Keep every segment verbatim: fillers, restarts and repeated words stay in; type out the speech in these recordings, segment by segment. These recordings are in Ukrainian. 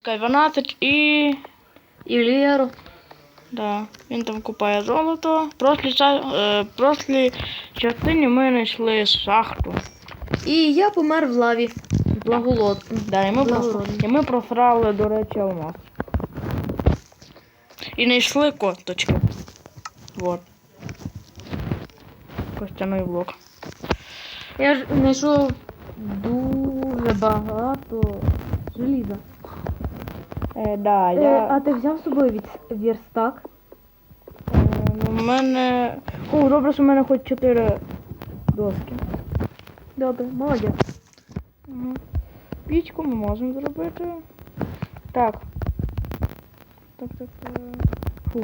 дванадцять і... І Лєру. Да, він там купає золото. В прошлій, е, прошлій частині ми знайшли шахту. І я помер в лаві. Благолод. Да, і ми, прос... і ми просрали, до речі, алмаз. І знайшли косточки. Вот. Костяний блок. Я ж знайшов дуже багато желіза. Е, да, Е, я... а ти взяв з собою від... верстак? Е, ну, в мене... О, добре, що в мене хоч чотири доски. Добре, молодець. Угу. Пічку ми можемо зробити. Так. Так, так, так. Фух.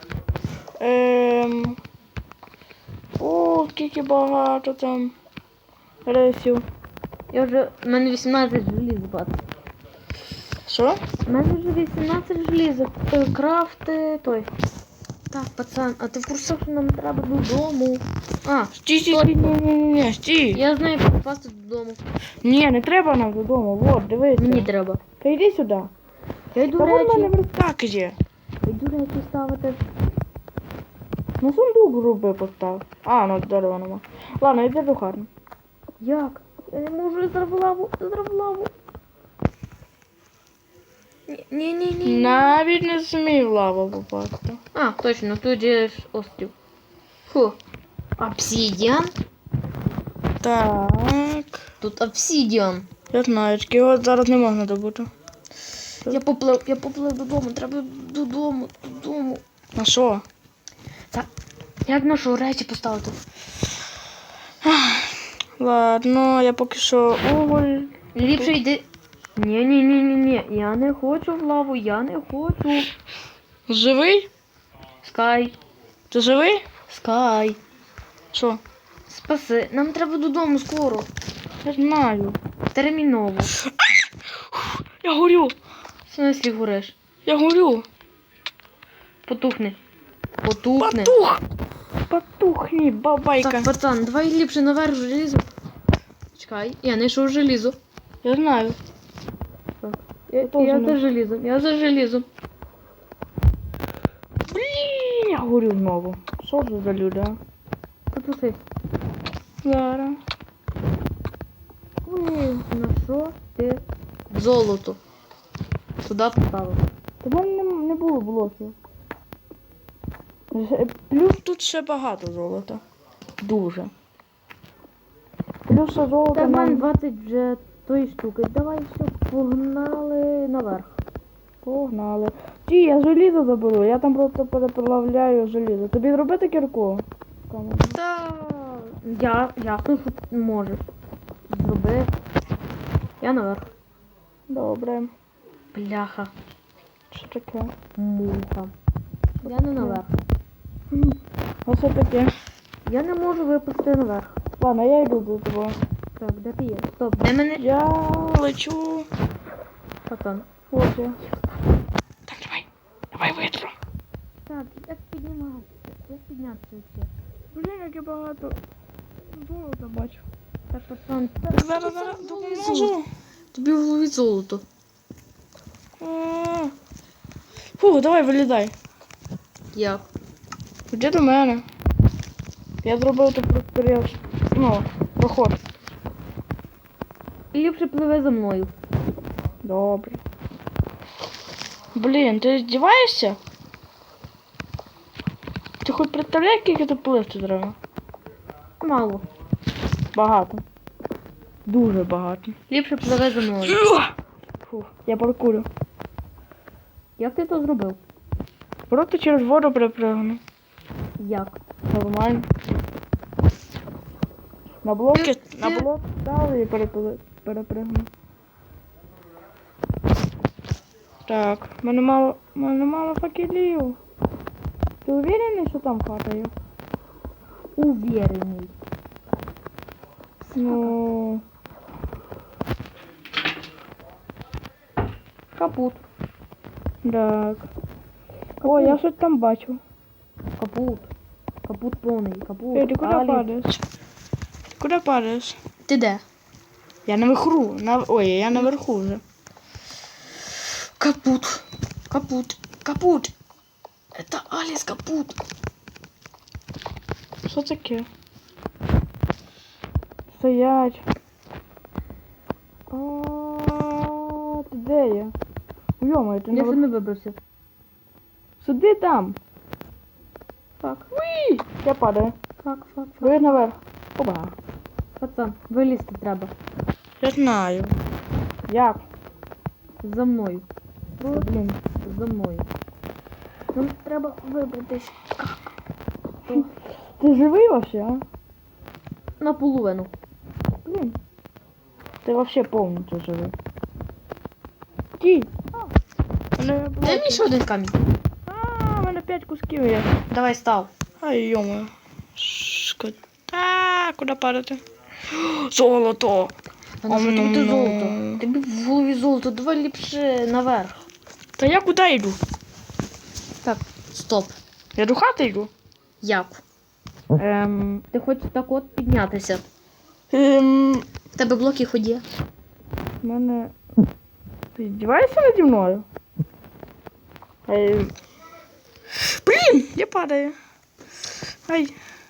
Ем... О, скільки багато там ресів. Я вже... У мене вісімнадцять желіз багато. Що? У мене вже вісімнадцять желізок. Е, Крафти той. Так, пацан, а ти в курсах, що нам треба додому? А, Стій, стій, стій, ні, ні, ні, ні, стій. я знаю, як попасти додому. Ні, не треба нам додому, вот, дивись. Мені треба. Та йди сюди. Я йду Та вон в мене речі. верстак є. Я йду речі ставити. Ну сундук роби постав. А, ну дерева нема. Ладно, йди до хати. Як? Я не можу, я зараз в лаву, я зараз в лаву. Ні-ні-ні. Навіть не змій в лаву попасти. А, точно, тут є ж острів. Фу. Обсидіан? Так. Тут обсидіан. Я знаю, тільки його зараз не можна добути. Я поплив, я поплив додому, треба додому, додому. На що? Так, як нашу речі поставити? Ладно, я поки що уголь. Ліпше йди. Ні-ні-ні-ні-ні, я не хочу в лаву, я не хочу. Живий? Скай, Ти живий? Скай. Що? Спаси, нам треба додому скоро. Я знаю. Терміново. Я горю. В смислі гориш? Я горю. Потухни. Потухни. Патух. Патухні, бабайка. Так, пацан, давай ліпше наверх желізо. Чекай, я знайшов желізо. Я знаю. Так. Я, Тоже я не- за желізом, я за желізом. Блін, я горю знову. Що це за люди, а? Потухи. Зараз. Ой, на що ти золото? Туди поставив. Та в мене не, не було блоків. Ж- Плюс тут ще багато золота. Дуже. Плюс ще золото Та в мене нам... двадцять вже тої штуки. Давай все, погнали наверх. Погнали. Ті, я желізо заберу, я там просто переплавляю желізо. Тобі зробити кірку? Камеру. Та я, я тут можеш. Зроби. Я наверх. Добре. Бляха. Що таке? Муха. Я не наверх. М, А що таке? Я не можу випустити наверх. Ладно, я йду до тебе. Так, де ти є? Стоп, де мене? Я лечу. Пацан. Ось я. Так, давай. Давай витру. Так, як підніматися? Як піднятися ще? Блін, як я багато золота бачу. Так, пацан, Зараз, зараз, допоможу. тобі в голові золото. А. Фу, давай вилізай. Як? Іди до мене. Я зробив тут просторіл. Ну, проход. І ліпше пливе за мною. Добре. Блін, ти здіваєшся? Ти хоч представляєш, скільки тут пливти треба? Мало. Багато. Дуже багато. Ліпше пливе за мною. Фу, я паркурю. Як ти то зробив? Просто через воду перепригну. Як? Нормально. На блоки, Ти- на ти- блок стали і перепли- перепригну. Так, в мене мало, в мене мало факелів. Ти уверений, що там хата є? Увірений. Ну... Капут. Так. О, я щось там бачу. Капут. Капут повний. Капут. Ей, ти куди Алі. падаєш? Куди падаєш? Ти де? Я наверху. На... Ой, я наверху вже. Капут. Капут. Капут. Это Алис капут. Що таке? Стоять. А, ти де я? Йома, ти Я не саме вибрався. Сиди там. Фак. Уй! Я падаю. Фак, фак, фак. Ви наверх. Оба. Пацан, вилізти треба. Я знаю. Як? За мною. Та, блін. За мною. Нам треба вибратись. Ти живий вообще, а? Наполовину. Блін. Ти вообще повністю живий. Ті. Мене Дай мені ще один камінь. А, в мене п'ять кусків є. Давай став. Ай, йома. Шкода. А, куди падати? Золото! А на що тобі Ом-ном-ном. золото? Тобі в голові золото, давай ліпше наверх. Та я куди йду? Так, стоп. Я до хати йду. Як? Ем... Ти хочеш так от піднятися. Ем... В тебе блоки ході. В мене... Ти здіваєшся наді мною? Ай... Блін, я падаю. Ай.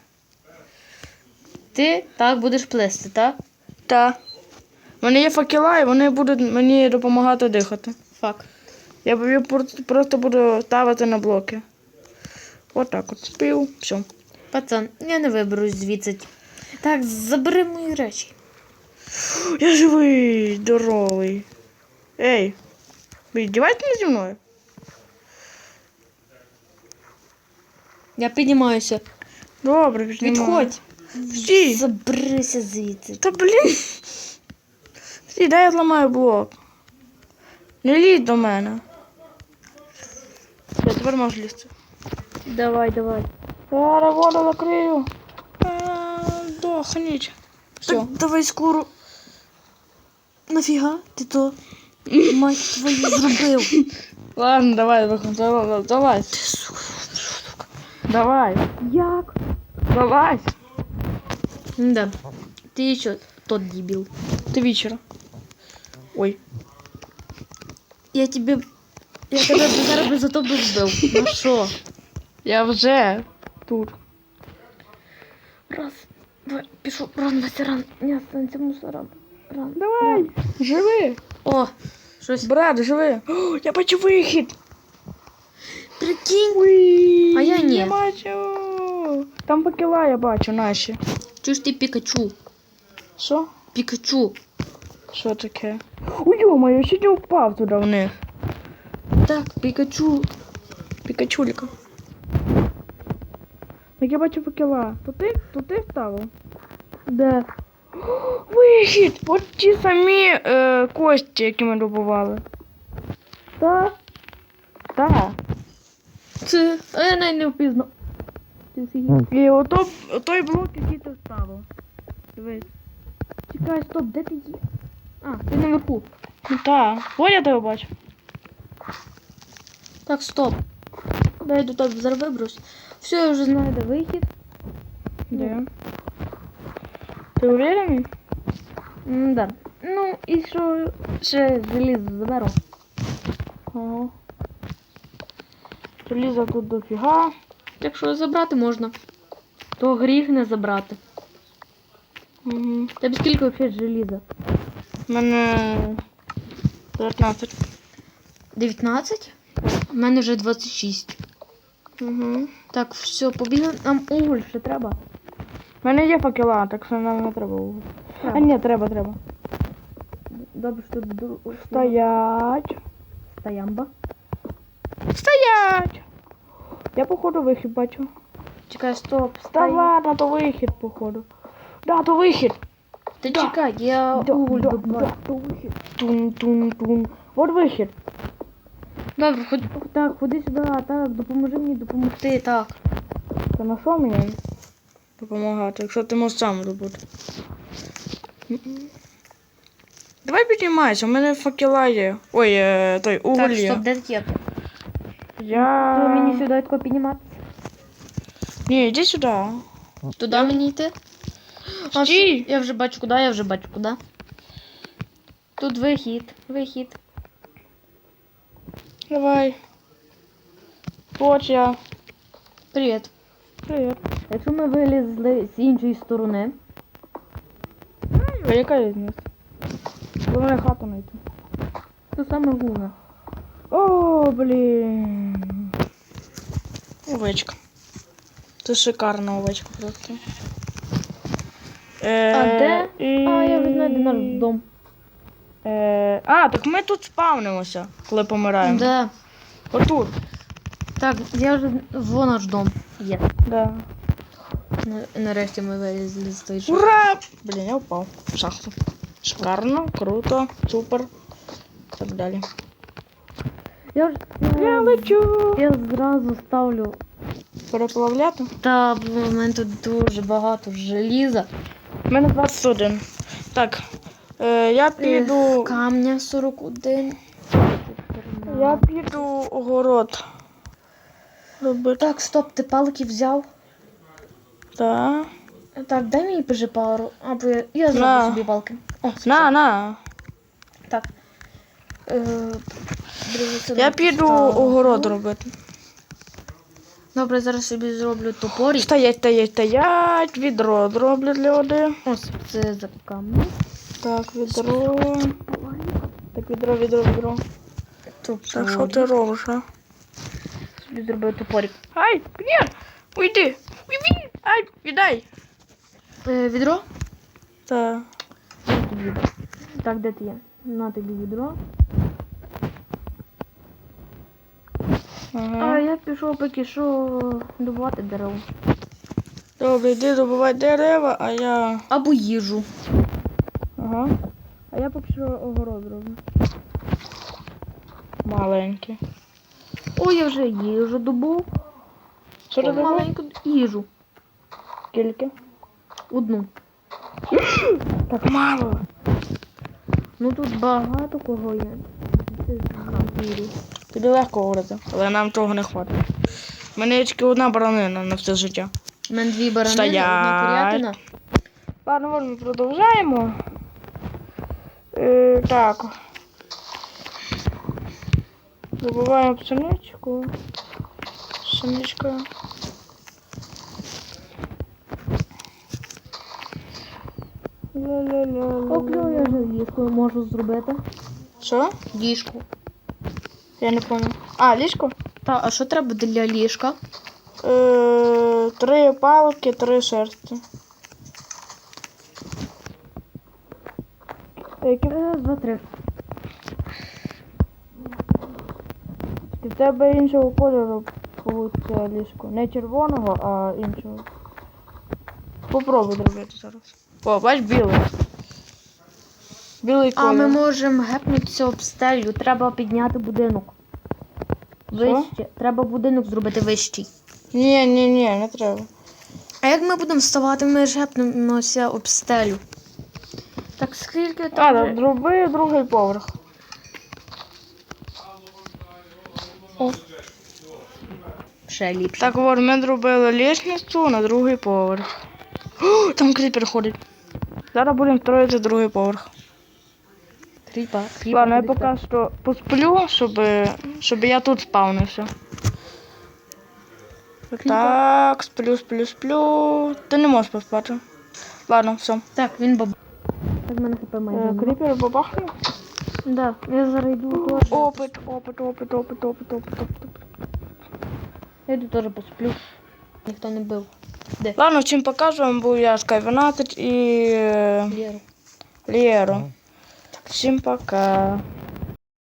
Ти так будеш плисти, так? Та. В мене є факела, і вони будуть мені допомагати дихати. Фак. Я, б- я просто просто буду ставити на блоки. Отак от. Спів. Все. Пацан, я не виберусь звідси. Так, забери мої речі. Я живий, здоровий. Ей, ви здіваєтесь зі мною? Я піднімаюся. Добре, піднімаю. Відходь. Стій. Заберися звідси. Та блін. Стій, дай я зламаю блок. Не лізь до мене. Я тепер можу лізти. Давай, давай. Зараз воду закрию. А, Дохніть. Все. Так, давай скоро. Нафіга ти то, мать твою, зробив? Ладно, давай, виходь, давай, давай. Давай, Як? давай. Да. Ти що, тот дебіл. Ти вечора. Ой. Я тебе... Я тебе зараз би за то би вбив. Ну що? Я вже тут. Раз, два, пішов. Ран, Вася, ран. Не останься мусором. Ран. Давай, живи. О, щось. Брат, живи. О, я бачу вихід. Прикинь. Уй, А я ні. Я бачу. Там факела я бачу наші. Чуєш ти Пікачу? Що? Пікачу. Що таке? Ой, йома, я чуть не впав туди в них. Так, Пікачу. Пікачулька. Як я бачу факела. То ти? То ти ставив? Де? О, вихід! От ті самі е, кості, які ми добували. Так. Так. Це. А я навіть не впізнав. Ти офігів. І ото, той блок, який ти вставив. Дивись. Чекай, стоп, де ти є? А, ти наверху. Ну так. Ось я тебе бачу. Так, стоп. Дай я до тебе зараз виберусь. Все, я вже знаю, де вихід. Де? Ти уверений? М, да. Ну, і що ще залізо заберу. Ага. Желіза тут дофіга. Якщо забрати можна, то гріх не забрати. Угу. Тебе скільки взагалі желіза? У мене дев'ятнадцять. дев'ятнадцять? У мене вже двадцять шість. Угу. Так, все, побігли. Нам уголь ще треба. У мене є факела, так що нам не треба вугілля. А Треба. ні, треба, треба. Добре, що ду- Стоять. Стоямба. Стоять! Я походу вихід бачу. Чекай, стоп. Та Стой. ладно, то вихід, походу. Да, то вихід. Ти Да. чекай, я Да, уголь да, добавлю. да, то вихід. Тун-тун-тун. Вот вихід. Добре, ходи, так, ходи сюди, так, допоможи мені допомогти, так. Та на що мені допомагати, якщо ти можеш сам робити? Давай піднімайся, у мене факела є. Ой, е, той, уголь Так, є. стоп, де ти є? Я... То мені сюди тако піднімати? Ні, іди сюди. Туди мені йти? А, Стій. все, я вже бачу куди, я вже бачу куди. Тут вихід, вихід. Давай. От я. Привіт. Привіт. Якщо ми вилізли з іншої сторони, А яка різниця? Головне хату знайти. то саме головне. О, блін. Овечка. Це шикарна овечка просто. Е, А де? І... А, я вже знайду наш дом. Е, а, так ми тут спавнимося, коли помираємо. Да. Отут. Так, я вже... Во наш дом. Є. Да. На- Нарешті ми вилізли з той шахти. Ура! Блін, я впав в шахту. Шикарно, круто, супер. Так далі. Я ж... Я лечу. Я зразу ставлю. Переплавляти. Та, в мене тут дуже багато желіза. У мене двадцять один. Так. Е, я піду. Камня сорок один. Я піду огород. Робити. Так, стоп, ти палки взяв? Так. Так, дай мені пожи пару. Або я, я зроблю На. собі палки. О, все. На, на. Так. Е, друзі, це Я не піду поставлю. огород робити. Добре, зараз собі зроблю топорі. Стоять, стоять, стоять. Відро зроблю для води. Ось це за камінь. Так, відро. Так, відро, відро, відро. Так, що ти робиш, а? Собі зроблю топорик. Ай, ні, уйди. Уйди. Ай, віддай. Е, відро? Так. На тобі. Так, де ти є? На тобі відро. А Ага. я пішов поки що добувати дерево. Добре, йди добувай дерева, а я... Або їжу. Ага. А я поки що огород роблю. Маленький. О, я вже їжу добув. Що ти добув? Маленьку їжу. Скільки? Одну. Так мало. Ну тут багато кого є. Це звірі. Тобі легко говорити, але нам того не хватить. У мене є тільки одна баранина на все життя. У мене дві баранини, Стоять. одна курятина. Ладно, от ми продовжаємо. Е, так. Добуваємо пшеничку. Пшеничка. Ля-ля-ля-ля. Оплю, я вже ліжко можу зробити. Що? Ліжку. Я не пам'ятаю. А, ліжко? Та, а що треба для ліжка? Е, три палки, три шерсті. Які Раз, два, три. в тебе іншого кольору получиться ліжко. Не червоного, а іншого. Попробуй зробити зараз. О, бач, білий. Білий А колір. ми можемо гепнутися об стелю. Треба підняти будинок. Вище. Треба будинок зробити вищий. Ні, ні, ні, не треба. А як ми будемо вставати, ми ж гепнемося об стелю. Так скільки А, там? так, вже- зроби другий поверх. Ще ліпше. Так, от, ми зробили лісницю на другий поверх. О, там кріпер ходить. Зараз будемо строїти другий поверх. Кріпа, кріпа. Ладно, я ходить, поки що посплю, щоб, щоб я тут спавнився. Так, сплю, сплю, сплю. Ти не можеш поспати. Ладно, все. Так, він баб. Так, в мене хп майже. Е, нема. Кріпер бабахне. Да, я зараз йду теж. Опит, опит, опит, опит, опит, опит, опит. Я йду теж посплю. Ніхто не бив. Де? Ладно, всім покажу, був я Скай дванадцять і е, Лєру. Лєро. Всім пока.